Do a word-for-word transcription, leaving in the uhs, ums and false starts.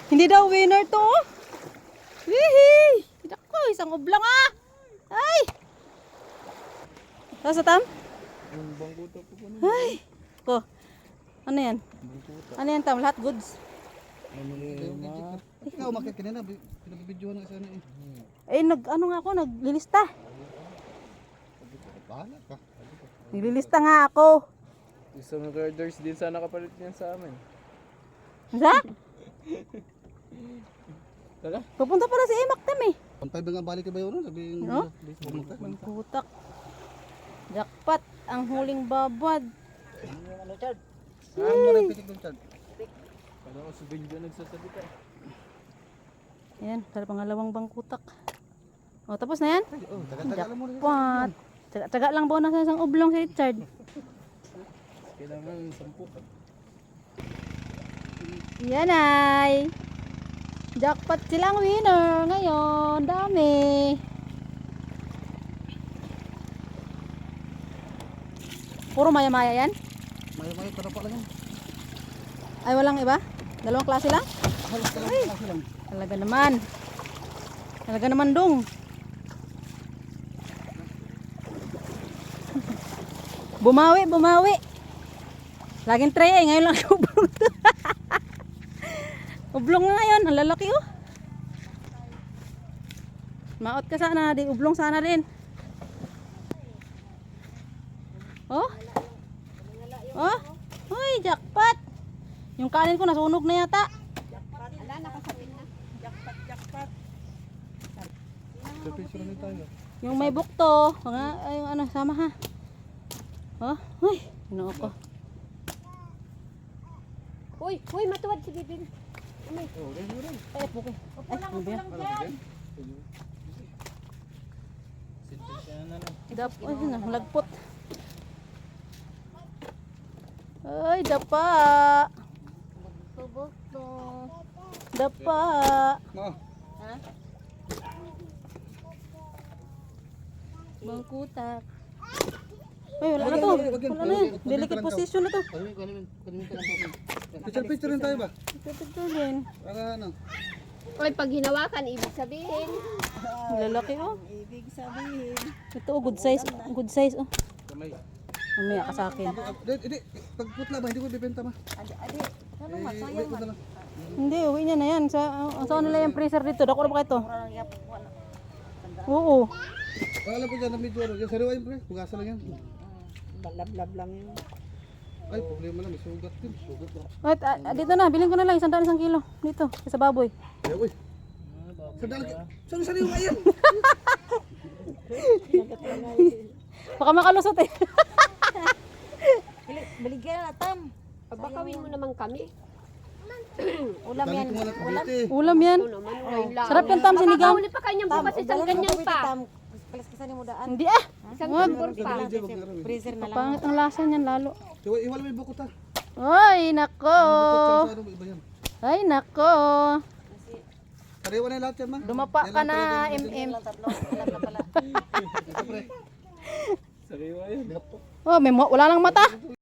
Hindi daw winner to. Hihi! Dako, isang ublang ah. Ay! Tapos tam? Yung bangkuta po po na. Ay! Ko. Ano yan? Bangkuta. Ano yan tam? Lahat goods? Ano lima? Ikaw umakit kanina, pinabibidyohan na sana eh. Eh, nag, ano nga ako, naglilista. Bahala ka. Naglilista nga ako. Isang girders din sana kapalit niyan sa amin. Sa? Tala? Pupunta pala si Emak tam eh. one five nga balik ka ba yun? Sabihin No? pumunta. Kutak. Jackpot, ang huling babad. Ano, Chad? Ano mo rin pitik doon, Chad? Parang ako si Benjo nagsasalita eh. Ayan, para pangalawang bangkutak. O, tapos na yan? Oh, tagal-tagal mo rin. Jackpot. Tsaga-tsaga lang bonus sa isang oblong si Richard. Kailangan sampu. Yan ay. Jackpot silang winner ngayon. Dami. Puro maya-maya yan? Mayo-mayo, pero pa lang yan. Ay, walang iba? Dalawang klase lang? Halos ka lang, klase lang. Talaga naman. Talaga naman dong. Bumawi, bumawi. Laging try eh. Ngayon lang ublong to. Ublong na ngayon. Ang lalaki oh. Maot ka sana. Di ublong sana rin. Oh. Oh. Uy, jackpot. Yung kanin ko nasunog na yata. Sa picture na tayo. Yung may bukto. Mga, ay, yung ano, sama ha. Oh. Uy. Inuo ko. Uy, uy, matuwad si Bibing. Umay. Oh, ganyan mo rin. Ay, puki. Ay, ano ba yan? Sintensya na lang. Dap, ay, ano, lagpot. Ay, dapa. Bukto. Dapa. Ma, Ha? Bangkutak. Ay, wala na to. Wala na yan. Delicate position na to. kunin kunin kunin ka lang po. Picture picture rin tayo ba? Ito din. Para ano? Uy, pag hinawakan, ibig sabihin. Lalaki oh. Ibig sabihin. Ito oh, good size. Good size oh. Kamay. Mamaya ka sa akin. Hindi, hindi. Pag putla ba, hindi ko bibenta ma. Adi, adi. Ano Eh, ma, wait sayang ko man. na lang. Hindi, uwi niya na yan. Sa, uh, saan nila yung freezer dito? Dako na ba ito? Oo. Alam ko dyan na medyo ano. Yung sariwa yun pre, pugasa lang yan. Lablab lang yun. Ay, problema lang, may sugat din. Sugat lang. Wait, ah, ah, dito na. Bilhin ko na lang. Isang daan isang kilo. Dito. Sa baboy. Eh, uy. Sandali. Saan sariwa yan? Baka makalusot eh. Baligyan na tam. Pabakawin mo naman kami. Ulam yan. Ulam. Ulam yan. Ito naman, ngayon lang. Sarap yan tam sinigaw. Makakahuli pa kanyang bukas isang ganyan pa. Hindi ah. Isang Wag. tambor pa. Freezer na. Kapangit ang lasa niyan lalo. Iwala mo yung bukot ha. Ay, nako. Bukot sa ano, iba yan. Ay, nako. Sariwa na yung lahat yan ma. Dumapa ka na, M M. Sariwa yun. Oh, may ma- wala lang mata.